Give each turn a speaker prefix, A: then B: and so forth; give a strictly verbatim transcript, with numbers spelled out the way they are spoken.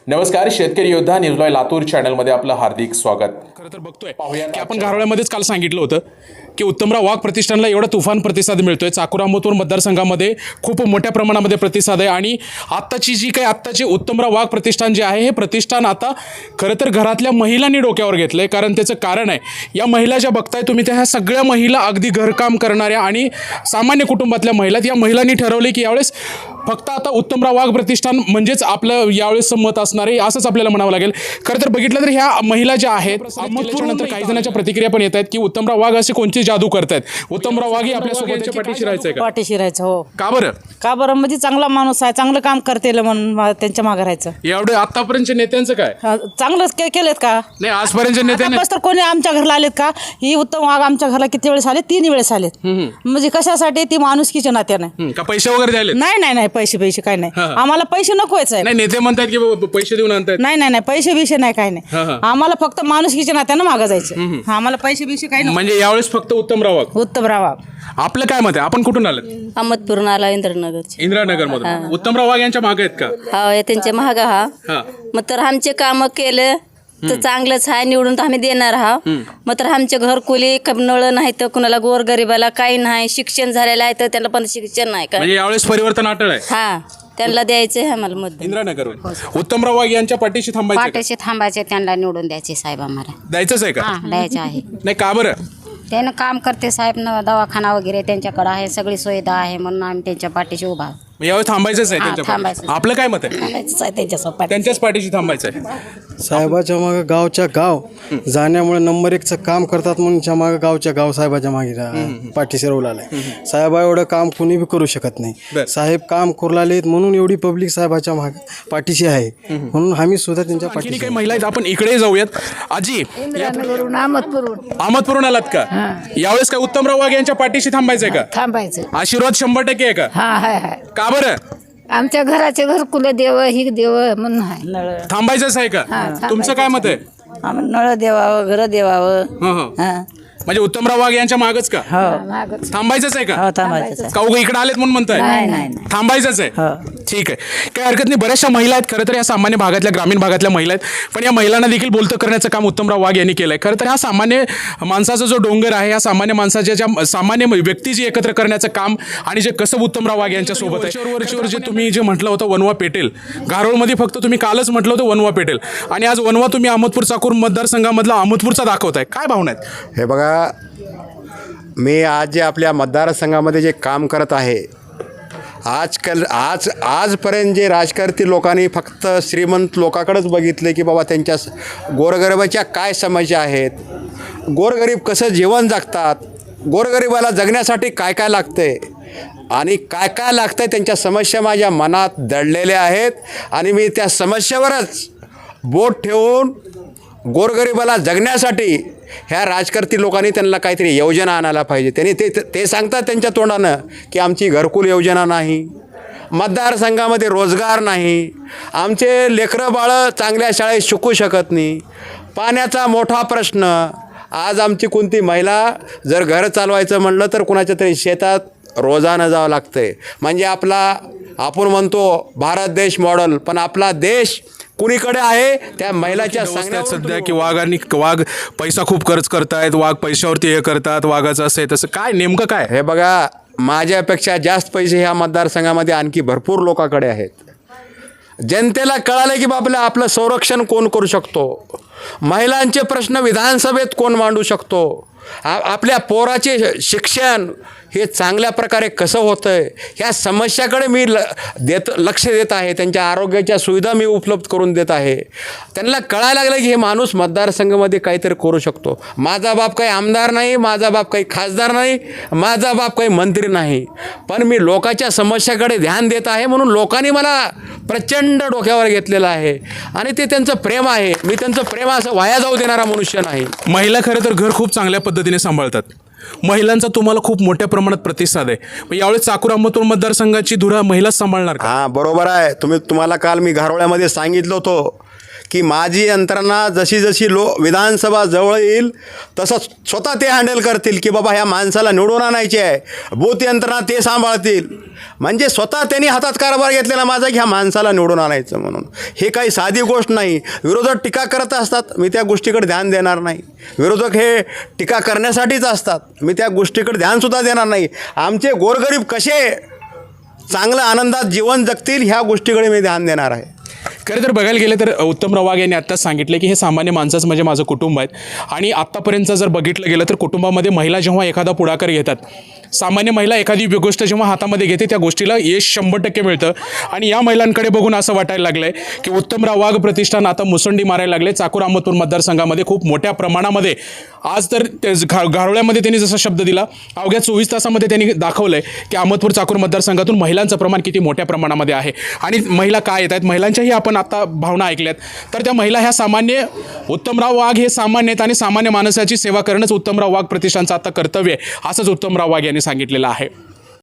A: नमस्कार, शेतकरी योद्धा न्यूज लाईव्ह लातूर चॅनलमध्ये आपलं हार्दिक स्वागत.
B: खरं तर बघतोय की आपण गारोळ्यामध्येच काल सांगितलं होतं की उत्तमराव वाघ प्रतिष्ठानला एवढा तुफान प्रतिसाद मिळतोय. चाकूर अहमदपूर मतदारसंघामध्ये खूप मोठ्या प्रमाणामध्ये प्रतिसाद आहे आणि आत्ताची जी काही आत्ताची उत्तमराव वाघ प्रतिष्ठान जे आहे हे प्रतिष्ठान आता खरं तर घरातल्या महिलांनी डोक्यावर घेतलं आहे. कारण त्याचं कारण आहे, या महिला ज्या बघताय तुम्ही त्या ह्या सगळ्या महिला अगदी घरकाम करणाऱ्या आणि सामान्य कुटुंबातल्या महिला, या महिलांनी ठरवले की यावेळेस फक्त आता उत्तमराव वाघ प्रतिष्ठान म्हणजेच आपलं यावेळेस मत असणार आहे, असंच आपल्याला म्हणावं लागेल. खरं तर बघितलं तर ह्या महिला ज्या आहेत, नंतर काही जणांच्या प्रतिक्रिया पण येत आहेत की उत्तमराव वाघ असे कोणते जादू करतायत. उत्तमराव वाघ हे आपल्या सोबतच्या पाठीशी राहायचं का?
C: पाठीशी राहायचं. हो.
B: का बरं?
C: का बरं म्हणजे चांगला माणूस आहे, चांगलं काम करतेल म्हणून मा- त्यांच्या मागे राहायचं.
B: एवढे आतापर्यंतच्या नेत्यांचं काय?
C: हा, चांगलंच के केलेत का?
B: नाही, आजपर्यंतच्या नेत्याने
C: आतापासून तर कोणी आमच्या घरला आलेत का? ही उत्तम वाघ आमच्या घरला किती वेळेस आले? तीन वेळेस आलेत. म्हणजे कशासाठी? ती माणुसकीच्या नात्याने.
B: हं, का पैसे वगैरे द्यायले?
C: नाही नाही नाही, पैसे पैसे काय नाही.
B: हा.
C: आम्हाला पैसे नकोच आहे.
B: नाही, नेते म्हणतात की बाबा पैसे देऊन आणतात.
C: नाही नाही नाही, पैसे बिशे नाही, काय
B: हा,
C: नाही.
B: हा.
C: आम्हाला फक्त माणुसकीच्या नात्यानं मागं जायचं. आम्हाला पैसे बिशे काय नाही.
B: म्हणजे यावेळेस फक्त उत्तमराव वाघ.
C: उत्तमराव वाघ.
B: आपलं काय मत आहे? आपण कुठून आलं?
D: अहमदपूरून आला इंद्रनगरचे.
B: इंदिरानगर मधून. उत्तमराव वाघ यांच्या मागे आहेत का?
D: हा हे त्यांचे महाग हा
B: हा.
D: मग तर आमचे काम केले तर चांगलंच आहे, निवडून तर आम्ही देणार हा. मग तर आमचे घरकुली नळ नाही तर कुणाला गोरगरिबाला काही नाही, शिक्षण झालेलं आहे तर त्यांना पण शिक्षण नाही का.
B: म्हणजे यावेळेस परिवर्तन अटळ आहे.
D: हा, त्यांना द्यायचं आहे आम्हाला मत.
B: इंदिरानगर उत्तमराव वाघ यांच्या पाठीशी थांबायचं का?
E: पाठीशी थांबायचे, त्यांना निवडून द्यायचे साहेब आम्हाला.
B: द्यायचंच आहे का?
E: हा, द्यायचे आहे.
B: नाही, का बरं?
E: त्यानं काम करते साहेब, न दवाखाना वगैरे त्यांच्याकडे आहे, सगळी सुविधा आहे म्हणून आम्ही त्यांच्या पाठीशी उभा आहोत.
B: मग यावेळेस थांबायचंच आहे
E: हा,
B: त्यांच्या पाठीशी.
E: थांबायचं.
B: आपलं काय मत आहे?
E: थांबायचंच आहे त्यांच्यासोबत.
B: त्यांच्याच पाठीशी थांबायचं आहे.
F: साहेबाच्या मागे गावच्या गाव जाण्यामुळे नंबर एकचं काम करतात म्हणून च्या मागे गावच्या गाव साहेबाच्या मागे रा- पाठीशी रोवला आहे. साहेबा एवढं काम कुणी बी करू शकत
B: बरं.
F: नाही. साहेब काम करू लागले म्हणून एवढी पब्लिक साहेबाच्या मागे पाठीशी आहे, म्हणून आम्ही सुद्धा त्यांच्या
B: आणखीन
F: पाठीशी
B: काही महिला आहेत, आपण इकडे जाऊयात. आजी, अहमदपूरून आलात का? यावेळेस काय उत्तमराव वाघ यांच्या पाठीशी थांबायचंय का?
G: थांबायचं.
B: आशीर्वाद शंभर टक्के आहे का?
G: हा हाय हाय.
B: का बरं?
G: आमच्या घराचे घरकुल देव ही देव म्हणून आहे.
C: नळ
B: थांबायचंच आहे का? तुमचं काय मत आहे?
C: आम्ही नळ देवावं, घर देवावं.
B: हं, हं.
C: हा.
B: म्हणजे उत्तमराव वाघ यांच्या मागच का?
G: मागच.
B: थांबायचंच आहे का?
C: हो, थांबायचं.
B: का उगा इकडे आलेत म्हणून म्हणताय?
G: नाही नाही नाही.
B: थांबायचंच आहे.
C: हो.
B: ठीक आहे, काही हरकत नाही. बऱ्याचशा महिला आहेत खरं तर, या सामान्य भागातल्या, ग्रामीण भागातल्या महिला आहेत, पण या महिलांना देखील बोलतं करण्याचं काम उत्तमराव वाघ यांनी केलं आहे. खरं तर हा सामान्य माणसाचा जो डोंगर आहे, या सामान्य माणसाच्या ज्या सामान्य व्यक्ती जी एकत्र करण्याचं काम आणि जे कसं उत्तमराव वाघ यांच्यासोबत आहे. वरचीवर जे तुम्ही जे म्हटलं होतं वनवा पेटेल, गारोळमध्ये फक्त तुम्ही कालच म्हटलं होतं वनवा पेटेल, आणि आज वनवा तुम्ही अहमदपूर चाकूर मतदारसंघामधला अहमदपूरचा दाखवताय. काय भावना आहेत?
H: हे बघा, मी आज जे आपल्या मतदारसंघामध्ये जे काम करत आहे, आजकाल आज आजपर्यंत जे राजकारती लोकांनी फक्त श्रीमंत लोकांकडेच बघितले की बाबा त्यांच्या गोरगरिबाच्या काय समस्या आहेत, गोरगरीब कसं जीवन जगतात, गोरगरिबाला जगण्यासाठी काय काय लागते आणि काय काय लागतं आहे, त्यांच्या समस्या माझ्या मनात दडलेल्या आहेत. आणि मी त्या समस्येवरच बोट ठेवून गोरगरिबाला जगण्यासाठी ह्या राजकारती लोकांनी त्यांना काहीतरी योजना आणायला पाहिजे. त्यांनी ते ते सांगतात त्यांच्या तोंडानं की आमची घरकुल योजना नाही, मतदारसंघामध्ये रोजगार नाही, आमचे लेकरं बाळं चांगल्या शाळेत शिकू शकत नाही, पाण्याचा मोठा प्रश्न. आज आमची कोणती महिला जर घर चालवायचं म्हणलं तर कुणाच्या तरी शेतात रोजानं जावं लागतं आहे. म्हणजे आपला आपण म्हणतो भारत देश मॉडेल, पण आपला देश कुणीकडे आहे त्या महिलाच्या
B: सांगण्यात सध्या की वाघांनी वाघ पैसा खूप खर्च करतायत, वाघ पैशावरती हे करतात, वाघाचं असं आहे तसं. काय नेमकं काय?
H: हे बघा, माझ्यापेक्षा जास्त पैसे ह्या मतदारसंघामध्ये आणखी भरपूर लोकांकडे आहेत. जनतेला कळालं की बाबा आपलं संरक्षण कोण करू शकतो, महिलांचे प्रश्न विधानसभेत कोण मांडू शकतो, आ आपल्या पोराचे शिक्षण हे चांगल्या प्रकारे कसं होतं आहे, ह्या समस्याकडे मी ल देत लक्ष देत आहे. त्यांच्या आरोग्याच्या सुविधा मी उपलब्ध करून देत आहे. त्यांना कळायला लागलं की हे माणूस मतदारसंघामध्ये काहीतरी करू शकतो. माझा बाप काही आमदार नाही, माझा बाप काही खासदार नाही, माझा बाप काही मंत्री नाही, पण मी लोकांच्या समस्याकडे ध्यान देत आहे म्हणून लोकांनी मला प्रचंड डोक्यावर घेतलेलं आहे. आणि ते त्यांचं प्रेम आहे. मी त्यांचं प्रेम असं वाया जाऊ देणारा मनुष्य नाही.
B: महिला खरं तर घर खूप चांगल्या पद्धतीने सांभाळतात. महिलांचा तुम्हाला खूप मोठ्या प्रमाणात प्रतिसाद आहे. मग यावेळेस चाकूर अहमदपूर मतदारसंघाची धुरा महिलाच सांभाळणार का?
H: हां, बरोबर आहे. तुम्ही तुम्हाला काल मी घारोळ्यामध्ये सांगितलं होतं की माझी यंत्रणा जशी जशी लो विधानसभा जवळ येईल तसं स्वतः ते हँडल करतील की बाबा ह्या माणसाला निवडून आणायचे आहे, बूथ यंत्रणा ते सांभाळतील. म्हणजे स्वतः त्यांनी हातात कारभार घेतलेला माझा की ह्या माणसाला निवडून आणायचं म्हणून. हे काही साधी गोष्ट नाही. विरोधक टीका करत असतात, मी त्या गोष्टीकडे ध्यान देणार नाही. विरोधक हे टीका करण्यासाठीच असतात, मी त्या गोष्टीकडे ध्यानसुद्धा देणार नाही. आमचे गोरगरीब कसे चांगलं आनंदात जीवन जगतील ह्या गोष्टीकडे मी ध्यान देणार आहे.
B: खरं तर बघायला गेलं तर उत्तमराव वाघ यांनी आत्ताच सांगितलं की हे सामान्य माणसाचं म्हणजे माझं कुटुंब आहे. आणि आत्तापर्यंत जर बघितलं गेलं तर कुटुंबामध्ये महिला जेव्हा एखादा पुढाकार घेतात, सामान्य महिला एखादी गोष्ट जेव्हा हातामध्ये घेते त्या गोष्टीला यश शंभर टक्के मिळतं. आणि या महिलांकडे बघून असं वाटायला लागलं आहे की उत्तमराव वाघ प्रतिष्ठान आता मुसंडी मारायला लागले. चाकूर अहमदपूर मतदारसंघामध्ये खूप मोठ्या प्रमाणामध्ये आज तर घा घारोळ्यामध्ये त्यांनी जसा शब्द दिला, अवघ्या चोवीस तासामध्ये त्यांनी दाखवलं आहे की अहमदपूर चाकूर मतदारसंघातून महिलांचं प्रमाण किती मोठ्या प्रमाणामध्ये आहे. आणि महिला काय येत आहेत, महिलांच्याही आपण आता भावना ऐकल्यात. तर त्या महिला ह्या सामान्य, उत्तमराव वाघ हे सामान्य आहेत आणि सामान्य माणसाची सेवा करणंच उत्तमराव वाघ प्रतिष्ठानचं आता कर्तव्य आहे, असंच उत्तमराव वाघ यांनी सांगितलेलं आहे.